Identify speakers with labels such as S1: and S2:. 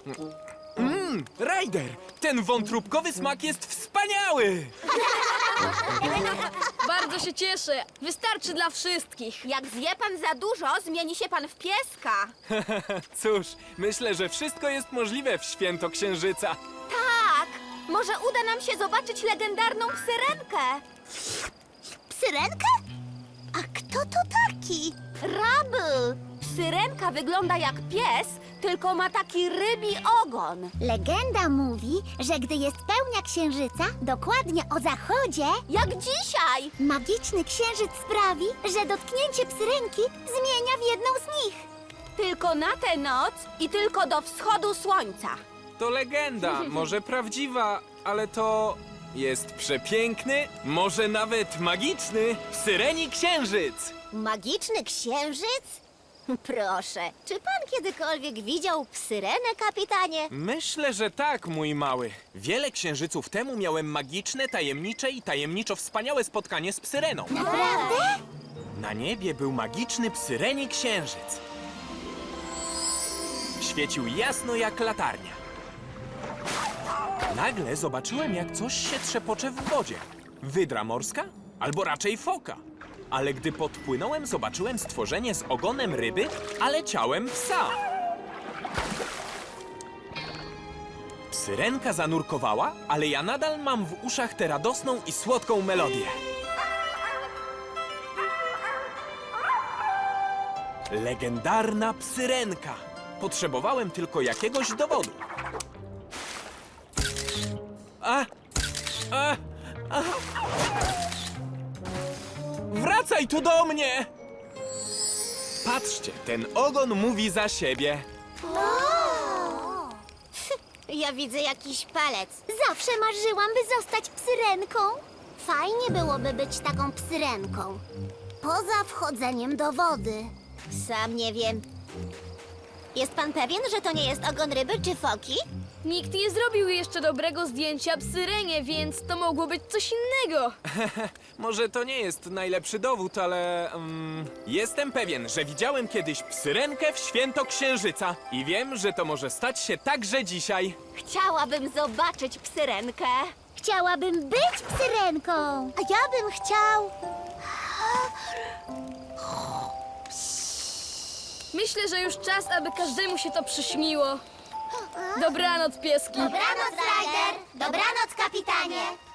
S1: Ryder, ten wątróbkowy smak jest wspaniały!
S2: Bardzo się cieszę. Wystarczy dla wszystkich.
S3: Jak zje pan za dużo, zmieni się pan w pieska.
S1: Cóż, myślę, że wszystko jest możliwe w święto Księżyca.
S3: Tak, może uda nam się zobaczyć legendarną psyrenkę.
S4: Psyrenkę? A kto to taki?
S3: Rubble! Psyrenka wygląda jak pies, tylko ma taki rybi ogon.
S4: Legenda mówi, że gdy jest pełnia księżyca, dokładnie o zachodzie,
S3: Jak dzisiaj!
S4: magiczny księżyc sprawi, że dotknięcie psyrenki zmienia w jedną z nich.
S3: Tylko na tę noc i tylko do wschodu słońca.
S1: To legenda, może prawdziwa, ale to jest przepiękny, może nawet magiczny Psyreni Księżyc.
S4: Magiczny księżyc? Proszę, czy pan kiedykolwiek widział psyrenę, kapitanie?
S1: Myślę, że tak, mój mały. Wiele księżyców temu miałem magiczne, tajemnicze i tajemniczo wspaniałe spotkanie z Psyreną.
S4: Naprawdę?
S1: Na niebie był magiczny Psyreni Księżyc. Świecił jasno jak latarnia. Nagle zobaczyłem, jak coś się trzepocze w wodzie. Wydra morska? Albo raczej foka. Ale gdy podpłynąłem, zobaczyłem stworzenie z ogonem ryby, ale ciałem psa. Psyrenka zanurkowała, ale ja nadal mam w uszach tę radosną i słodką melodię. Legendarna Psyrenka. Potrzebowałem tylko jakiegoś dowodu. Wracaj tu do mnie! Patrzcie, ten ogon mówi za siebie.
S4: Ja widzę jakiś palec. Zawsze marzyłam, by zostać psyrenką. Fajnie byłoby być taką psyrenką. Poza wchodzeniem do wody. Sam nie wiem. Jest pan pewien, że to nie jest ogon ryby czy foki?
S2: Nikt nie zrobił jeszcze dobrego zdjęcia Psyrenie, więc to mogło być coś innego.
S1: Może to nie jest najlepszy dowód, ale jestem pewien, że widziałem kiedyś Psyrenkę w święto Księżyca i wiem, że to może stać się także dzisiaj.
S3: Chciałabym zobaczyć psyrenkę.
S4: Chciałabym być psyrenką. A ja bym chciał...
S2: Myślę, że już czas, aby każdemu się to przyśniło. Dobranoc, pieski.
S4: Dobranoc, Ryder. Dobranoc, kapitanie.